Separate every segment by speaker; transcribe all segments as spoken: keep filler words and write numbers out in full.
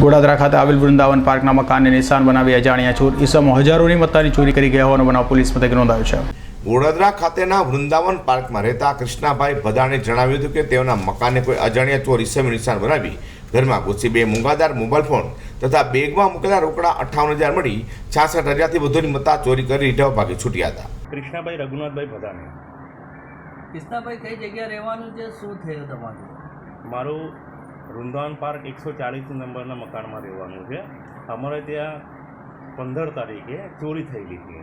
Speaker 1: ગોડાદરા ખાતે આવેલ વૃંદાવન પાર્કના મકાનને નિશાન બનાવી અજાણ્યા ચોર ઈસમો હજારોની મત્તાની ચોરી કરી ગયા હોવાનો બનાવ પોલીસ મથકે નોંધાયો છે.
Speaker 2: ગોડાદરા ખાતેના વૃંદાવન પાર્કમાં રહેતા કૃષ્ણાભાઈ ભદાણે જણાવ્યું હતું કે તેઓના મકાનને કોઈ અજાણ્યા ચોર ઈસમે નિશાન બનાવી ઘરમાં ઘૂસી બે મૂંગાદાર મોબાઈલ ફોન તથા બેગમાં મૂકેલા રોકડા અઠ્ઠાવન હજાર મળી છાસઠ હજારથી વધુની મત્તા ચોરી કરી રીઢા ભાગે છૂટ્યા હતા.
Speaker 3: કૃષ્ણાભાઈ રઘુનાથભાઈ ભદાણે.
Speaker 4: કૃષ્ણાભાઈ કઈ જગ્યા રહેવાનું છે, શું થયું તમારું?
Speaker 3: મારું વૃંદાવન પાર્ક એકસો ચાલીસ નંબરના મકાનમાં રહેવાનું છે. અમારે ત્યાં પંદર તારીખે ચોરી થયેલી છે.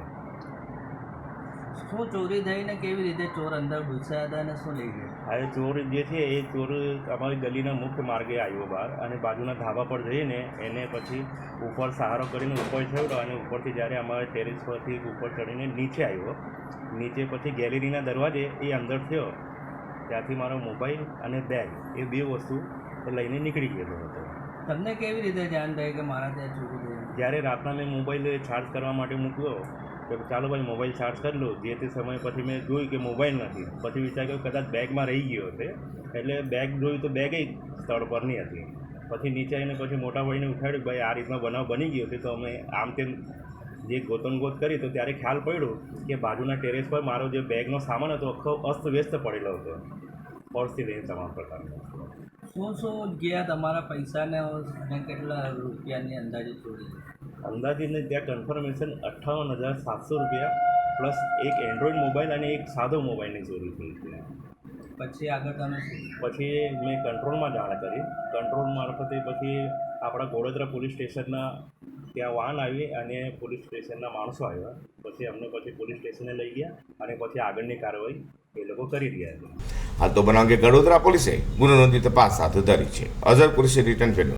Speaker 4: શું ચોરી થઈને કેવી રીતે ચોર અંદર ઘૂસ્યા હતા અને શું લઈ ગયા?
Speaker 3: આ ચોર જે છે એ ચોર અમારી ગલીના મુખ્ય માર્ગે આવ્યો બહાર અને બાજુના ધાબા પર જઈને એને પછી ઉપર સહારો કરીને ઉપર ચડ્યો અને ઉપરથી જ્યારે અમારે ટેરેસ પરથી ઉપર ચડીને નીચે આવ્યો. નીચે પછી ગેલેરીના દરવાજે એ અંદર થયો ત્યાંથી મારો મોબાઈલ અને બેગ એ બે વસ્તુ લઈને નીકળી ગયેલો હતો.
Speaker 4: તમને કેવી રીતે જાણ થઈ કે મારા ત્યાં ચોરી થઈ?
Speaker 3: જ્યારે રાતના મેં મોબાઈલ ચાર્જ કરવા માટે મૂક્યો કે ચાલો ભાઈ મોબાઈલ ચાર્જ કરી લો. જે તે સમય પછી મેં જોયું કે મોબાઈલ નથી. પછી વિચાર કર્યો કદાચ બેગમાં રહી ગયો હશે એટલે બેગ જોયું તો બેગ સ્થળ પરની હતી. પછી નીચે આવીને પછી મોટા ભાઈને ઉઠાડ્યું, ભાઈ આ રીતનો બનાવ બની ગયો છે. તો અમે આમ તેમ જે ગોતમગોત કરી તો ત્યારે ખ્યાલ પડ્યો કે બાજુના ટેરેસ પર મારો જે બેગનો સામાન હતો આખો અસ્તવ્યસ્ત પડેલો હતો. પર્સથી લઈને તમામ પ્રકારનો.
Speaker 4: શું શું ગયા તમારા પૈસાને અને કેટલા રૂપિયાની અંદાજે ચોરી?
Speaker 3: અંદાજીને ત્યાં કન્ફર્મેશન અઠ્ઠાવન હજાર સાતસો રૂપિયા પ્લસ એક એન્ડ્રોઈડ મોબાઈલ અને એક સાદો મોબાઈલની ચોરી થઈ છે.
Speaker 4: પછી આગળ તમે શું?
Speaker 3: પછી મેં કંટ્રોલમાં જાણ કરી. કંટ્રોલ મારફતે પછી આપણા ગોડાદરા પોલીસ સ્ટેશનના ત્યાં વાહન આવી અને પોલીસ સ્ટેશનના માણસો આવ્યા. પછી અમને પછી પોલીસ સ્ટેશને લઈ ગયા અને પછી આગળની કાર્યવાહી એ લોકો કરી રહ્યા છે.
Speaker 2: હાલ તો બનાવ અંગે ગડોદરા પોલીસે ગુનો નોંધી તપાસ હાથ ધરી છે. અઝર પોલીસે રિટર્ન કર્યું.